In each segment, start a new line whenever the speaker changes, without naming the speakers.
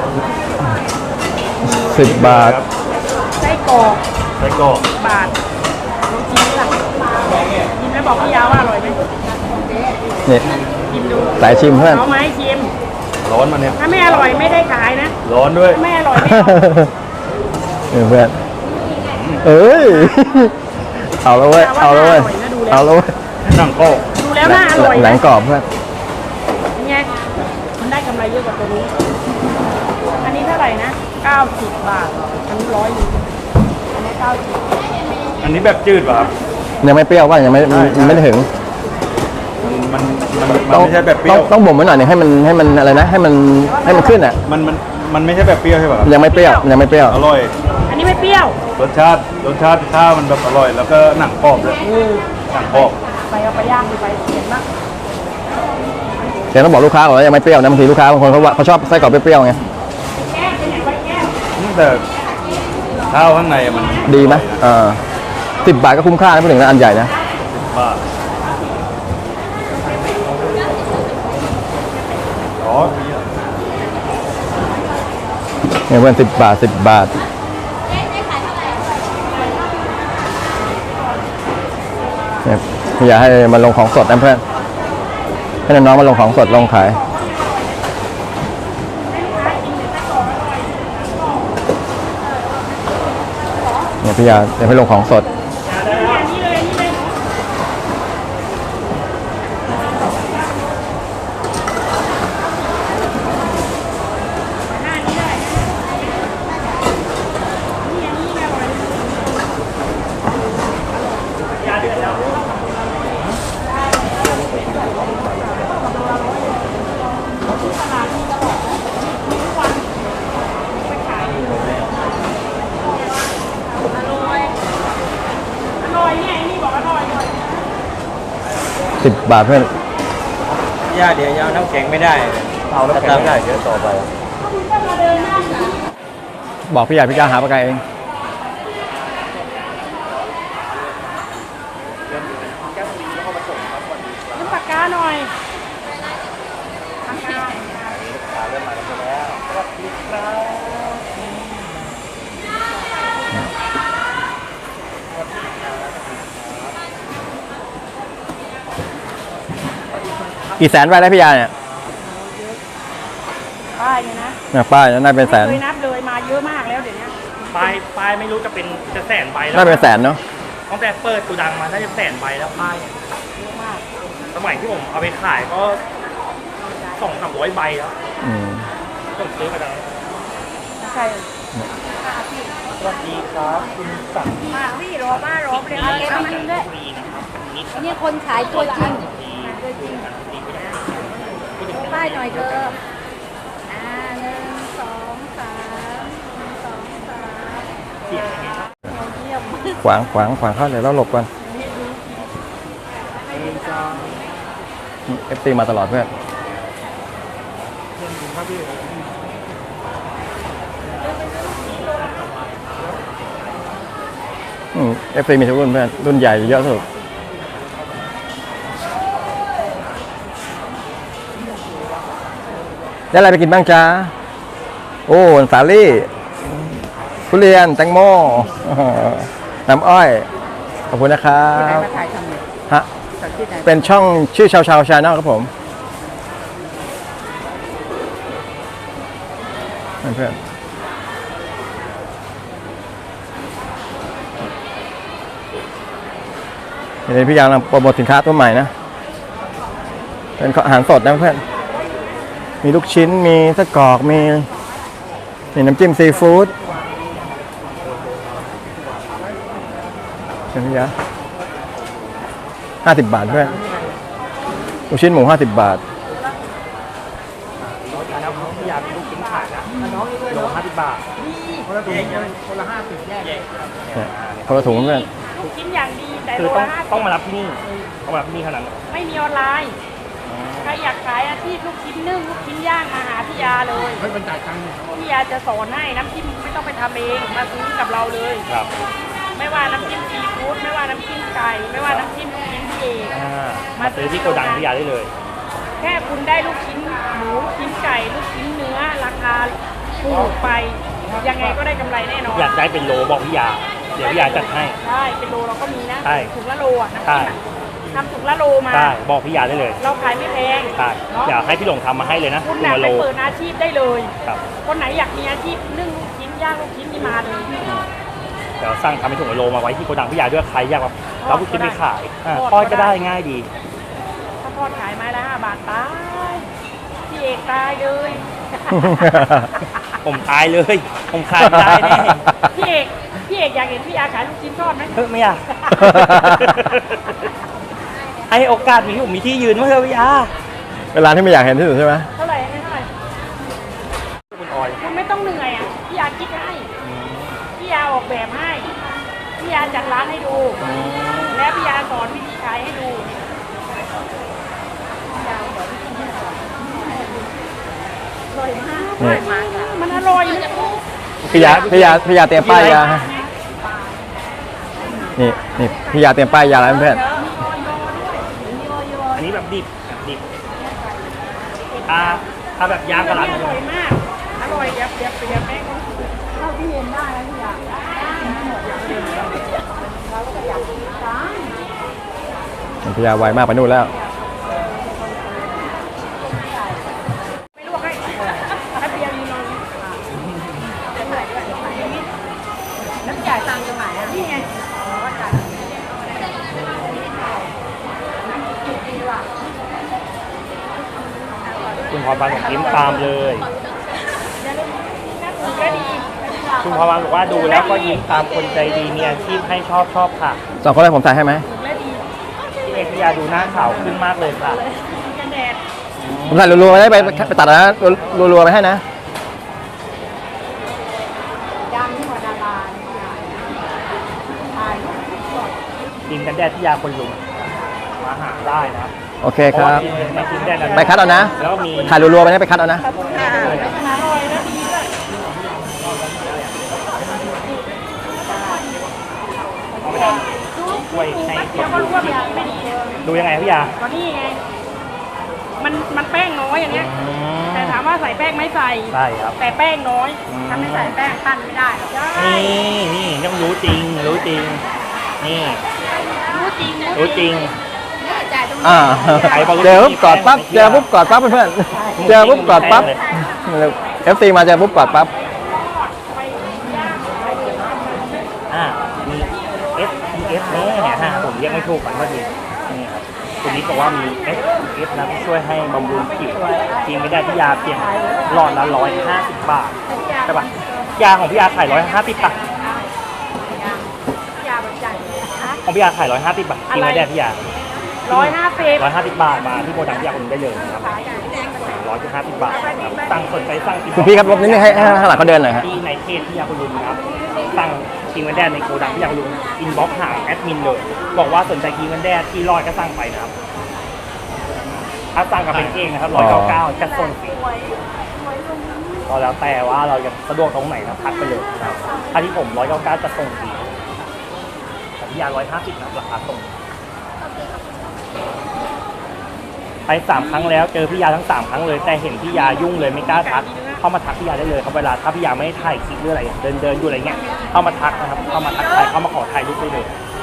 10 บาท
ไส้กรอก
บาท
ลองชิมล่ะชิมแล้วบอกพี่ยาว่าอร่อยไหม
นี่
ชิมดู
สายชิมเพื่อน
เอาไหมชิม
ร้อนมันเนี่ย
ถ้าไม่อร่อยไม่ได้ขายนะ
ร้อนด้วย
ไม่อร่อยไม่เอา
เพื่อนเอ้ยเอาแล้วเว้ยเอาแล้วเว้ยเอาแล้วเว้ย
หนังกรอบ
ดูแล้วน่าอร่อย
หนังกรอบเพื่อน
ไงมันได้กำไรเยอะกว่าตัวนี้อันนี้เท่าไหร่นะ90 บาทอันนี้100นึงอันนี้90
อันนี้แบบจืดป่ะครับ
ยังไม่เปรี้ยวว่ายังไม่ได้ถึง
มันไม่ใช่แบบเปรี้ยว
ต้องบ่มไว้หน่อยนึงให้มันอะไรนะให้มันขึ้นอ่ะ
มันไม่ใช่แบบเปรี้ยวใช่ป่ะ
ยังไม่เปรี้ยว
อร่อย
อันนี้ไม่เปรี้ยว
รสชาติข้าวมันแบบอร่อยแล้วก็หนังกรอบเลยหนังกรอบ
ไปเอาไปย่างไปเห็นปะ
เดี๋ยวต้องบอกลูกค้าก่อนว่ายังไม่เปรี้ยวนะบางทีลูกค้าบางคนเขาชอบไส้กรอกเปรี้ยวไง
แต่ข้าวข้างในมัน
ดีไหม10 บาทก็คุ้มค่านะพูดถึงนะอันใหญ่นะ
10 บาท
เนี่ยเพื่อน10 บาทเนี่ยอยากให้มันลงของสดนะเพื่อนให้น้องๆมาลงของสดลงขายเนี่ยพี่ยาเดี๋ยวให้ลงของสด10 บาทเพื่อน
ย่าเดี๋ยวยาวน้ำแข็งไม่ได้
เอาน้ำแข็งไม่ได้เดี๋ยวต่อไป
บอกพี่ใหญ่พี่กาหาปากกาเอง
น้ำปากกาหน่อยปากกา
เริ่มมาแล้วสวัสดี
ครับกี่แสนไปได้พี่ยาเนี่ย
ป้ายเนี่ย
นะป้ายน่าเป็นแสน
เคยนับเลยมาเยอะมากแล้วเดี๋ยวนี้
ป้ายไม่รู้จะเป็นแสนใบแล้ว
น่าเป็นแสนเนาะ
ตั้งแต่เปิดกูดังมาน่าจะแสนใบแล้วป้าย
เยอะมาก
สมัยที่ผมเอาไปขายก็200-300 ใบแล้วต้องซื้อมาดัง
ใช่
สวัสดีครับคุณสั่ง
มาพี่รอเรียนเก็บมันด้วยนี่คนขายตัวจริงป้ายหน่อยเธอ1 2 3 1 2 3
ขวางเข้าเดี๋ยวเราหลบก่อนFC มาตลอดเพื่อนFC มีทุกรุ่นเพื่อนรุ่นใหญ่เยอะสุดได้อะไรไปกินบ้างจ๊ะโอ้สาลี่ทุเรียนแตงโมน้ำอ้อยขอบคุณนะครับฮะเป็นช่องชื่อชาวชาแนลครับผมเพื่อนเดี๋ยวพี่ยางโปรโมทสินค้าตัวใหม่นะเป็นอาหารสดนะเพื่อนมีลูกชิ้นมีไส้กรอกมีน้ำจิ้มซีฟู้ดเป็นยา50 บาทเพื่อนลูกชิ้นหมู50 บาท
อยากลูกชิ้นขายนะโล50 บาทคนละถุงคนละ50แยก
คนละถุงเพื่อน
ลูกชิ้นอย่างดีแต่
คือต้องมารับที่นี่ต้องมารับที่นี่เท่านั้น
ไม่มีออนไลน์ใครอยากขายอาชีพลูกชิ้นนึ่งลูกชิ้นย่างมาหาพี่ยาเลย
ไม่เป็นจ่ายตังค์
พี่ยาจะสอนให้น้ำจิ้มไม่ต้องไปทำเองมาซื้อกับเราเลย
ครับ
ไม่ว่าน้ำจิ้มซีฟู้ดไม่ว่าน้ำจิ้มไก่ไม่ว่าน้ำจิ้มลูกชิ้นพี่เอง
มาซื้อที่โกดังพี่ยาได้เลย
แค่คุณได้ลูกชิ้นหมูลูกชิ้นไก่ลูกชิ้นเนื้อราคาถูกไปยังไงก็ได้กำไรแน่นอน
อยากได้เป็นโลบอกพี่ยา เดี๋ยวพี่ยาจัดให้
ใช่เป็นโลเราก็มีนะ
ใช่
ถุงละโลอ่ะน้ำ
ใช่
จิ้มอะทำถุงละโลมา
ใช่บอกพี่ยาได้เลย
เราขายไม่แพง
ใช่
เนาะ
อยากให้พี่หลงทำมาให้เลยนะ
คุณ
หนึ่
น่ะ
ง
ไป
โล
เปิดอาชีพได้เลย
ครับ
คนไหนอยากมีอาชีพนึ่งลูกชิ้นย่างลูกชิ้นนี่มาเลย
เดี๋ยวสั่งทำเป็นถุงโลมาไว้ที่โกดังพี่ยาด้วยใครอยากแบบรับลูกชิ้นไปขายอ่ะ
ทอด
ทอดก็
ก็ได้
ได้ง่ายดี
ถ้าทอดขายไม้ละ5 บาทตายพี่เอกตายเลย
ผมตายเลย ผมขายไม่ได้แน่
พี่เอกอยากเห็นพี่อาขายลูกชิ้นทอดไหม
เฮ้ยไม่อยาก ให้โอกาสมีผมมีที่ยืนเมื่อพี่ยา
เวลาที่ไม่อยากเห็นที่สุดใช่ไหม
เท่าไหร่อันนี้เท่าไหร่
คุณออย
คุณไม่ต้องเหนื่อยอ่ะพี่อาคิดให้พี่อาออกแบบให้พี่อาจัดร้านให้ดู แล้วพี่อาสอนวิธีขายให้ดูอร่อยมากอร่อยมากอะมันอร่อยนะ
พี่ยาเตรียมป้ายยาให้นี่พี่ยาเตรียมป้ายยาแล้วเพื่อน
อันนี้แบบดิบถ้าแบบย่างก็ร้าน
อร่อยมาก อร่อยเดี๋ยวแม่ก็เท่าที่เห็นได้แล้วพี่อา
พี่ยาไวมากไปนู่นแล้ว
ไม่ลวกให้ถ้าเปียกยืนลงแล้วจ่ายตังค์ตรงไหนอ่ะนี่ไง
คุณพรพันธ์บอกยิ้มตามเลย
ก็ดี
คุณพรพันธ์บอกว่าดูแล้วก็ยิ้มตามคนใจดีมีอาชีพให้ชอบค่ะ
2 คนแรกผมใส่ให้ไหม
และดี
พี่เอกพี่ยาดูหน้าขาวขึ้นมากเลยค่ะ
กันแดด
ผมใส่รัวๆไปได้ไปตัดนะรัวๆไปให้นะ
ดังที่กว่าดาราถ่าย
ทีมกันแดดที่ยาคนลุงมาหาได้นะครับ
โอเคครับ
เพาะว่าในทีมแดดนั้น
ไปคัดเอานะ
แล้วก็มี
ถ่ายรัวๆไปนะไปคัดเอานะ
อร่อยและดีด้วย
ช่วยให้
เดี๋ยวก็รู้ว่าแบบไม่ดี
ดูยังไงพี่ยา
ก็นี่ไง มันแป้งน้อยอย่างเงี้ย แต่ถามว่าใส่แป้งไหม่ใส่
ใช่ครับ
แต่แป้งน้อย ถ้าไม่ใส่แป้งปั้นไม่ได้หรอกใช่
นี่ต้องรู้จริงนี่
รู้จริง
รู้จริง
จ่ายตรง
อ่า
นี้
เจอปุ๊บกอดปั๊บเจอปุ๊บกอดปั๊บเพื่อนๆเจอปุ๊บกอดปั๊บ FC มาเจอปุ๊บกอดปั๊บ
มี S S แน่เนี่ยฮะผมเรียกไม่ถูกกันว่าดีนี่ครับคุณนิดบอกว่ามี S S นะที่ช่วยให้บำรุงผิวจริงไม่ได้ที่ยาเพียงหลอดละ150 บาทใช่ปะยาของพี่ยาขาย150 บาท
ยาแบบจ่ายนะ
ของพี่ยาขาย150 บาทจริงไม่ได้พี่ยา
150
150 บาทมาที่โกดังพี่ยาคุณได้เลยนะครับ150 บาทครับสั่งสนใจสั่งกิน
คุณพี่ครับลบนิดนึงให้ข้างหลังเขาเดินหน่อยครับ
ที่ในเพจพี่ยาคุณลุงนะครับสั่งกินกันแดดในโกดังพี่ยาคุณลุงอินบ็อกซ์หาแอดมินเลยบอกว่าสนใจกินกันแดดที่รอดก็สั่งไปนะครับถ้าสั่งกับเป็นเองนะครับ199จะส่งฟรีก็แล้วแต่ว่าเราจะสะดวกตรงไหนนะทักไปเลยนะครับถ้าที่ผม199จะส่งฟรีแต่พี่ยา150นะราคาส่งไป3 ครั้งแล้วเจอพี่ยาทั้ง3 ครั้งเลยแต่เห็นพี่ยายุ่งเลยไม่กล้าทักเข้ามาทักพี่ยาได้เลยครับเวลาถ้าพี่ยาไม่ได้ถ่ายคลิปหรืออะไรเดินอยู่อะไรเงี้ยเข้ามาทักนะครับเข้ามาทักทายเข้ามาขอถ่ายรูปได้เลย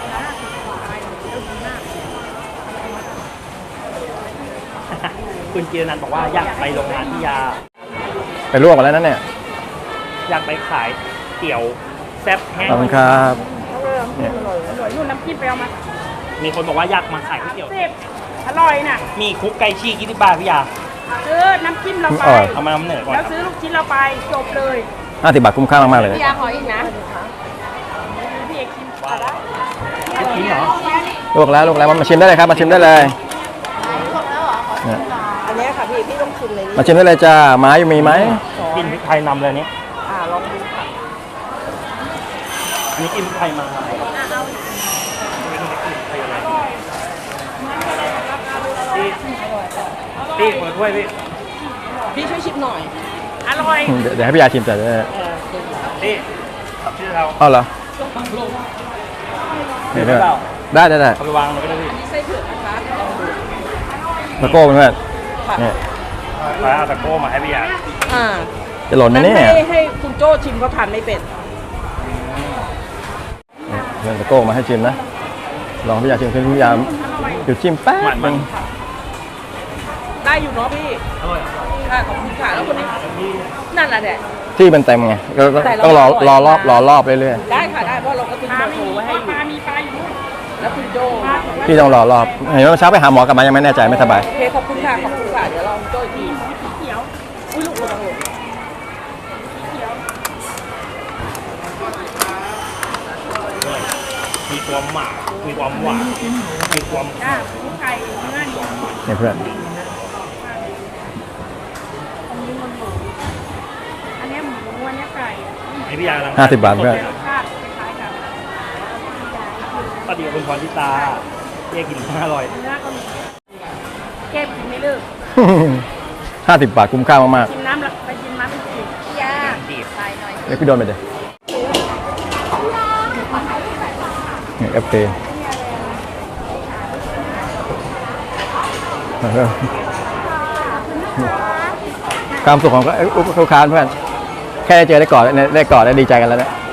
คุณเจรนันท์บอกว่าอยากไปโรงงานพี่ยา
ไปลวกมาแล้วนั่นเนี่ย
อยากไปขายเตี๋ยวแซ่บแห้ง
ขอบคุณครับ
อร่อยนู่นน้ำจิ้มไปเอามา
มีคนบอกว่าอยากมาขายก๋วยเตี๋ยว
10อร่อยน่ะ
มีคุกไก่ชีก20 บาทพี่ยา
ซื้อน้ำจิ้มเราไป
เอามานำเหนือก่อน
แล้วซื้อลูกชิ้นเราไปจบเลย
50 บาทคุ้มค่ามากๆเลย
พี่ยาขออีกนะพี่เอกชิมได้
ลูกชิ้นเหรอ
ลวกแล้วมาชิมได้เลยครับมาชิมได้เลยเนี่ย
อันนี้ค่ะพี่ต้องชิมเลย
มาชิมได้เลยจ้าไม้มีไหม
กินพริกไทยนำเลยนี่
ลองดูค่ะ
อันนี้กินพริกไทยมาพี่เปิดถ้วยพี่
พี่ช่วยชิมหน่อย อร่อย
เดี๋ยวให้พี่ยาชิมแต่เดี๋ยว
พี่ชื่อเรา
เอาเหรอเดี๋ยวได้
เอาไปวางเลยก็ได้พี่
ไส้เผือกนะคะ
ตะโก้เพื่อนเนี่ย
ไปเอาตะโก้มาให้พี่ยา
อ่า
จะหล่นไหมเนี่ย
ให้คุณโจ้ชิมเขาทานไม่เป็น
เงินตะโก้มาให้ชิมนะ ลองพี่ยาชิมพี่ยาเดี๋ยวชิมแป๊บนึง
ได้อยู่เนาะพี่
อร่อย
ค่ะขอบคุณค่ะแล้วคนนี้นั่นแหละเนี่ย
ที่มันเต็มไงก็ต้องรอรอบเรื่อย
ได้ค่ะได้เพราะเราก็ทิ้งเบอร์โทรไว้ให้อยู่มีปลาอยู่แล้วคุณโจ้
ๆพี่ต้องรอรอบเห็นว่าเช้าไปหาหมอกลับมายังไม่แน่ใจไม่สบาย
โอเคขอบคุณค่ะขอบคุณค่ะเดี๋ยวเราโจ้อีกทีเขียวอุ้ยลูกระวังหล่น
มีความหวานมีความหวานมีความ
อ่ะลูกไก่เนื้อเหนียว
นี่เพื่อน
อันนี้หมูอันนี้ไก่
ให้พี่ยากำลัง
50 บาทเพื่อน
รสชาติคล้ายๆกัน
สวัสดีคุณพรทิตาเรียกกินอร่อย
เนื้อก็มีเก็บกินไม่เลิก
50 บาทคุ้มค่ามาก
กินน้ำละไปกินน้ำไปกินยาใส่หน่อย
ๆเรียกพี่โดนไปเลยนี่FP ความสุขของลูกค้าเพื่อน แค่ได้เจอได้กอดได้ดีใจกันแล้วเนี่ย